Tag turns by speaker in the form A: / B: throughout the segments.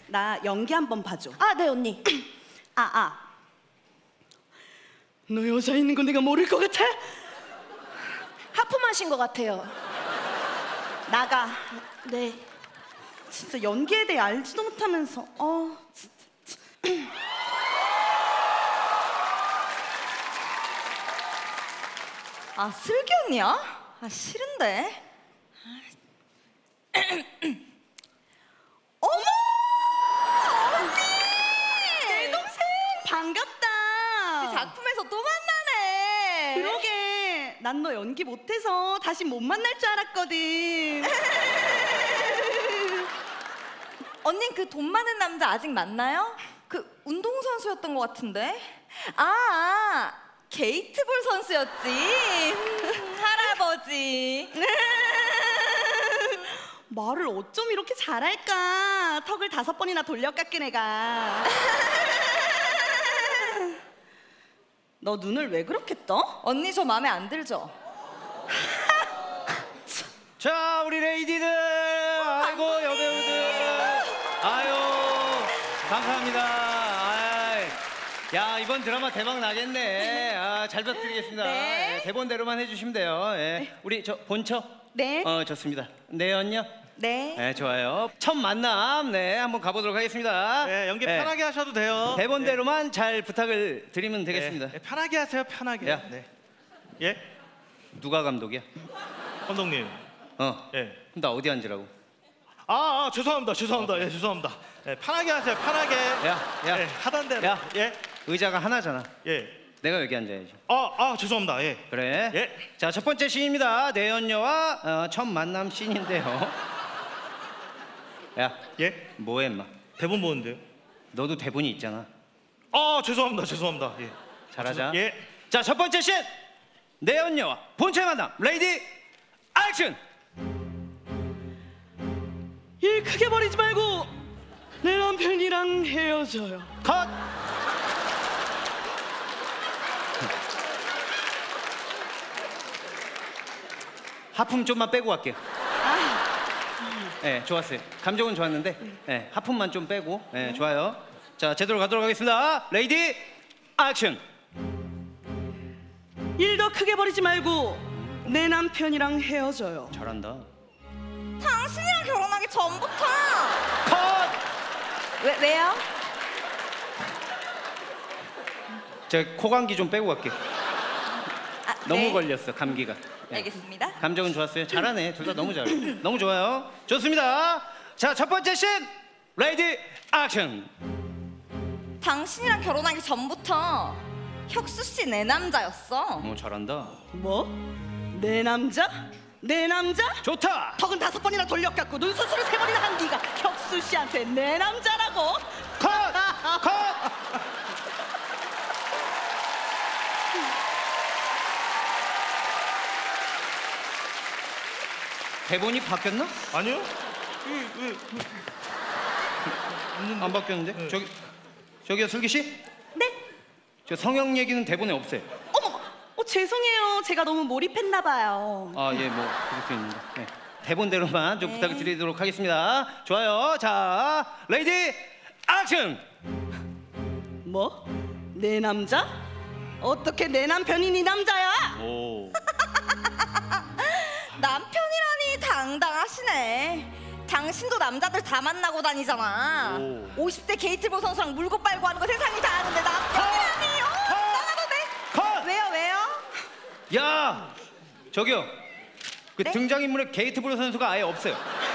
A: 나 연기 한번 봐줘.
B: 아, 네 언니.
A: 너 여자 있는 거 내가 모를 것 같아?
B: 하품하신 것 같아요.
A: 나가.
B: 네.
A: 진짜 연기에 대해 알지도 못하면서. 진짜.
C: 아, 슬기 언니야? 아, 싫은데. 어머!
A: 내 동생 반갑다.
C: 작품에서 또 만나네.
A: 그러게. 난 너 연기 못해서 다시 못 만날 줄 알았거든.
C: 언닌 그 돈 많은 남자 아직 만나요? 그 운동선수였던 것 같은데. 게이트볼 선수였지. 할아버지.
A: 말을 어쩜 이렇게 잘할까? 턱을 5번이나 돌려 깎은 애가. 너 눈을 왜 그렇게 떠?
C: 언니 저 마음에 안 들죠?
D: 자, 우리 레이디들, 아이고 여배우들, 아유 감사합니다. 야, 이번 드라마 대박 나겠네. 잘 부탁드리겠습니다.
C: 네.
D: 예, 대본대로만 해주시면 돼요. 예. 우리 저 본처.
A: 네.
D: 좋습니다. 네, 언니요.
A: 네.
D: 네, 좋아요. 첫 만남, 네, 한번 가보도록 하겠습니다.
E: 네, 연기
D: 예,
E: 편하게 하셔도 돼요.
D: 대본대로만 잘 부탁을 드리면 되겠습니다.
E: 네, 편하게 하세요, 편하게.
D: 야.
E: 네. 예,
D: 누가 감독이야?
E: 감독님. 예.
D: 그럼 나 어디 앉으라고?
E: 죄송합니다, 죄송합니다. 예, 죄송합니다. 예, 편하게 하세요, 편하게.
D: 야.
E: 예, 하던 대로.
D: 야.
E: 예,
D: 의자가 하나잖아.
E: 예.
D: 내가 여기 앉아야지.
E: 죄송합니다. 예.
D: 그래.
E: 예.
D: 자, 첫 번째 씬입니다. 내연녀와 첫 만남 씬인데요. 야,
E: 예.
D: 뭐해, 임마?
E: 대본 보는데요.
D: 너도 대본이 있잖아.
E: 죄송합니다, 죄송합니다. 예.
D: 잘하자.
E: 예.
D: 자, 첫 번째 씬. 내연녀와 본체의 만남. 레이디 액션.
A: 일 크게 버리지 말고 내 남편이랑 헤어져요.
D: 컷. 하품 좀만 빼고 갈게요. 네, 좋았어요. 감정은 좋았는데, 네, 하품만 좀 빼고, 네, 좋아요. 자, 제대로 가도록 하겠습니다. 레이디 액션.
A: 일 더 크게 버리지 말고 내 남편이랑 헤어져요.
D: 잘한다.
C: 당신이랑 결혼하기 전부터.
D: 컷.
C: 왜요?
D: 저 코감기 좀 빼고 갈게. 너무
C: 네.
D: 걸렸어, 감기가. 네.
C: 알겠습니다.
D: 감정은 좋았어요. 잘하네. 둘 다 너무 잘해. 너무 좋아요. 좋습니다. 자, 첫 번째 씬. 레이디 액션.
C: 당신이랑 결혼하기 전부터 혁수 씨 내 남자였어.
D: 잘한다.
A: 뭐? 내 남자? 내 남자?
D: 좋다.
A: 턱은 5번이나 돌려 깎고 눈 수술을 3번이나 한 네가 혁수 씨한테 내 남자라고?
D: 컷! 컷! 대본이 바뀌었나?
E: 아니요?
D: 안 바뀌었는데?
E: 네.
D: 저기요, 슬기 씨?
A: 네?
D: 저 성형 얘기는 대본에 없어요.
A: 어머, 죄송해요. 제가 너무 몰입했나 봐요.
D: 예, 뭐 그럴 수 있는데. 네. 대본대로만 좀 부탁을 드리도록 하겠습니다. 좋아요. 자, 레이디 액션.
A: 뭐? 내 남자? 어떻게 내 남편이 네 남자야?
E: 오.
C: 남편이라니 당당하시네. 당신도 남자들 다 만나고 다니잖아.
E: 오.
C: 50대 게이트볼 선수랑 물고 빨고 하는 거 세상이 다 아는데 남편이라니. 나가도 돼?
D: 컷!
C: 왜요?
D: 야, 저기요. 그
C: 네?
D: 등장인물에 게이트볼 선수가 아예 없어요.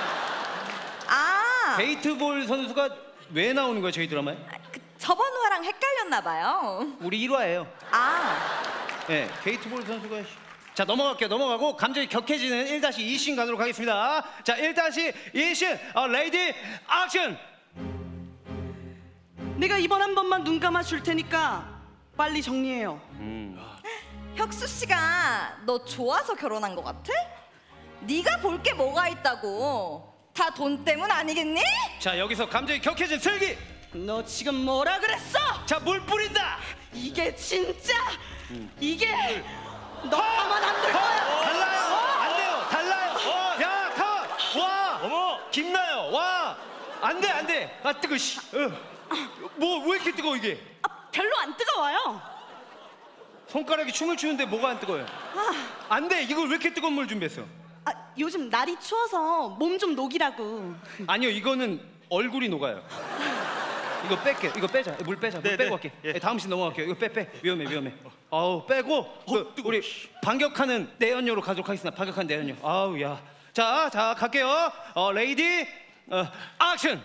D: 게이트볼 선수가 왜 나오는 거예요, 저희 드라마에?
C: 저번 화랑 헷갈렸나 봐요.
D: 우리 1화예요. 네, 게이트볼 선수가. 자, 넘어가고 감정이 격해지는 1-2씬 가도록 하겠습니다. 자, 1-2씬 레이디 액션.
A: 내가 이번 한 번만 눈 감아 줄 테니까 빨리 정리해요.
C: 혁수 씨가 너 좋아서 결혼한 것 같아? 네가 볼 게 뭐가 있다고. 다 돈 때문 아니겠니?
D: 자, 여기서 감정이 격해진 슬기.
A: 너 지금 뭐라 그랬어?
D: 자, 물 뿌린다.
A: 이게 진짜 이게 너 가만 안 둘 거야.
D: 달라요. 안 돼요. 달라요. 야, 컷. 와.
E: 어머.
D: 김나요. 와. 안 돼. 돼. 아 뜨거. 씨. 뭐 왜 이렇게 뜨거워 이게?
A: 아, 별로 안 뜨거워요.
D: 손가락이 춤을 추는데 뭐가 안 뜨거워요? 안 돼. 이걸 왜 이렇게 뜨거운 물 준비했어?
A: 아, 요즘 날이 추워서 몸 좀 녹이라고.
D: 아니요, 이거는 얼굴이 녹아요. 이거 뺄게. 이거 빼자. 물 빼자. 물
E: 네,
D: 빼고
E: 네.
D: 갈게.
E: 예.
D: 다음 씬 넘어갈게요. 이거 빼. 위험해. 아우 빼고 우리 반격하는 내연녀로 가도록 하겠습니다. 반격하는 내연녀. 아우 야. 자 갈게요. 레이디 액션.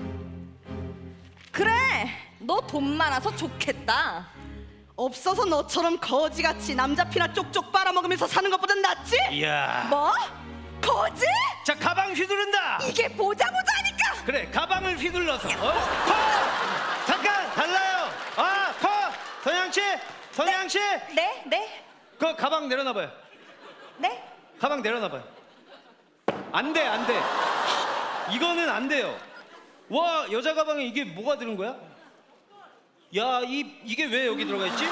C: 그래, 너 돈 많아서 좋겠다.
A: 없어서 너처럼 거지같이 남자 피나 쪽쪽 빨아먹으면서 사는 것보단 낫지?
D: 이야.
C: 뭐? 거지?
D: 자 가방 휘두른다.
C: 이게 보자 보자니까.
D: 그래 가방을 휘둘러서. 컷. 잠깐 달라요. 컷. 선양 씨.
C: 네.
D: 그 가방 내려놔봐요.
C: 네?
D: 가방 내려놔봐요. 안 돼. 이거는 안 돼요. 와 여자 가방에 이게 뭐가 들은 거야? 야 이게 왜 여기 들어가 있지?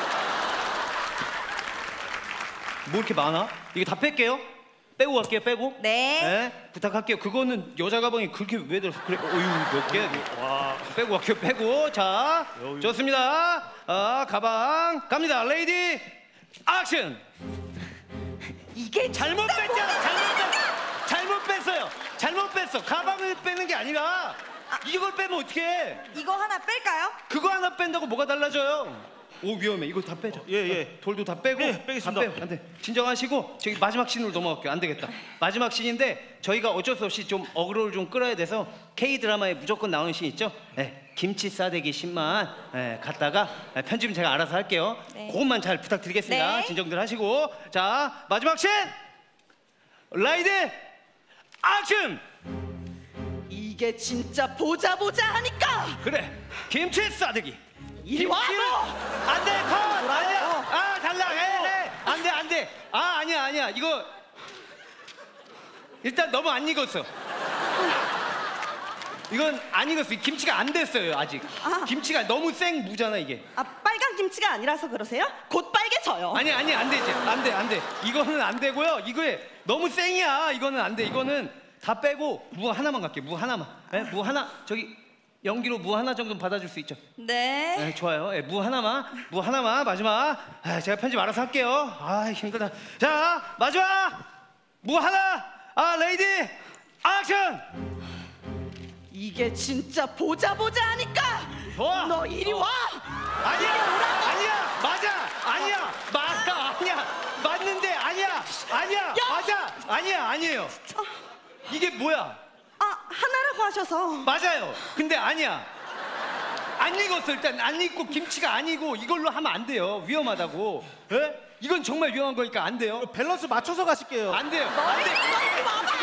D: 뭐 이렇게 많아? 이거 다 뺄게요. 빼고 갈게요. 빼고.
C: 네.
D: 부탁할게요. 그거는 여자 가방에 그렇게 왜 들었어? 그래. 어휴 몇 개야 이게.
E: 와.
D: 빼고 갈게요. 빼고. 자 좋습니다. 가방 갑니다. 레이디 액션.
C: 이게
D: 잘못 뺐잖아. 잘못 뺐어요. 잘못 뺐어. 가방을 빼는 게 아니라 이걸 빼면 어떡해?
C: 이거 하나 뺄까요?
D: 그거 하나 뺀다고 뭐가 달라져요? 오 위험해. 이거 다 빼자.
E: 예.
D: 돌도 다 빼고.
E: 네, 빼겠습니다.
D: 다 빼요. 안 돼. 진정하시고 저기 마지막 씬으로 넘어갈게요. 안 되겠다. 마지막 씬인데 저희가 어쩔 수 없이 좀 어그로를 좀 끌어야 돼서 K 드라마에 무조건 나오는 씬 있죠? 김치 싸대기 씬만 갔다가 편집은 제가 알아서 할게요.
C: 네.
D: 그것만 잘 부탁드리겠습니다.
C: 네.
D: 진정들 하시고 자 마지막 씬 라이드 액션.
A: 이게 진짜 보자 하니까.
D: 그래 김치 싸대기.
A: 이리 와, 너!
D: 안돼 컷 아니야 달라 안돼 아니야 이거 일단 너무 안 익었어. 이건 안 익었어. 김치가 안 됐어요 아직. 김치가 너무 생 무잖아 이게.
A: 아, 빨간 김치가 아니라서 그러세요? 곧 빨개져요.
D: 아니 안 되지. 안돼 이거는 안 되고요. 이거에 너무 생이야. 이거는 안 돼. 이거는 다 빼고 무 하나만 갈게. 무 하나만. 무 하나 저기 연기로 무 하나 정도 받아줄 수 있죠?
C: 네.
D: 좋아요. 무 하나만 마지막. 제가 편집 알아서 할게요. 힘들다. 자 마지막 무 하나. 레이디 액션.
A: 이게 진짜 보자 하니까.
D: 좋아.
A: 너 이리 와.
D: 아니야 맞아 맞는데 맞아 아니에요. 이게 뭐야?
A: 하나라고 하셔서.
D: 맞아요. 근데 아니야. 안 익었어. 일단 안 익고 김치가 아니고 이걸로 하면 안 돼요. 위험하다고. 이건 정말 위험한 거니까 안 돼요.
E: 밸런스 맞춰서 가실게요.
D: 안 돼요.
A: 너 이리 와봐.